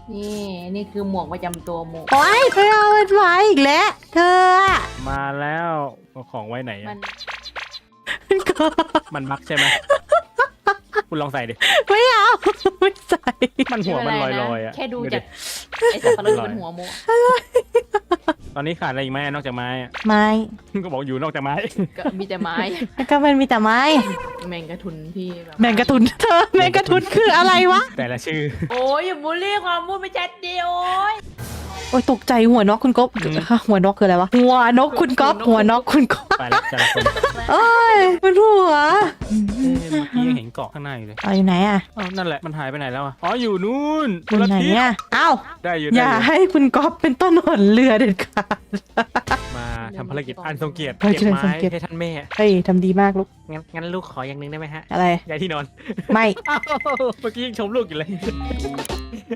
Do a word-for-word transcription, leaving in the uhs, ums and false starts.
นี่นี่คือหมวกประจำตัวหมวกโอ้ยไปเอามันไว้อีกแล้วเธออะมาแล้วเอาของไว้ไหนมัอะนก็มันบักใช่ไหมคุณลองใส่ดิไม่เอาไม่ใส่มันหัวมันลไเป็อยไรๆนะอ่ะแค่ดูดิจากไอ้สับปะรดบนหัวหมวกตอนนี้ขาดอะไรอีกไหมนอกจากไม้อะไม้ก็บอกอยู่นอกจากไม้ก็มีแต่ไม้แล้วก็มันมีแต่ไม้แมงกะทุนที่แบบแมงกะทุนเธอแมงกะทุนคืออะไรวะแต่ละชื่อโอ้ยอย่าบูลลี่ความพูดไม่ชัดดีโอ้ยโอ้ยตกใจหัวนกคุณก๊บหัวนกคืออะไรวะหัวนกคุณก๊อบหัวนกคุณก๊อบไปแล้วแต่ละคนเอ้ยมันหัวเอ้ยเมื่อกี้ยังเห็นเกาะข้างหน้าอยู่เลยเอาอยู่ไหนอ่ะอ้าวนั่นแหละมันหายไปไหนแล้วอะอ๋ออยู่นู่นอยู่ไหนทิศอ่ะเอ้าได้อยู่อได้ย่าอยู่ให้คุณก๊อฟเป็นต้นหนเรือเด็ดขาดมาทำภารกิจอันทรงเกียรติภารกิเก็จบอันทรงไม้เกียรติให้ท่านแม่เฮ้ยทำดีมากลูกงั้นงั้นลูกขออย่างหนึงได้ไหมฮะอะไรย้ายที่นอนไม่อ้าวเมื่อกี้ยังชมลูกอยู่เลย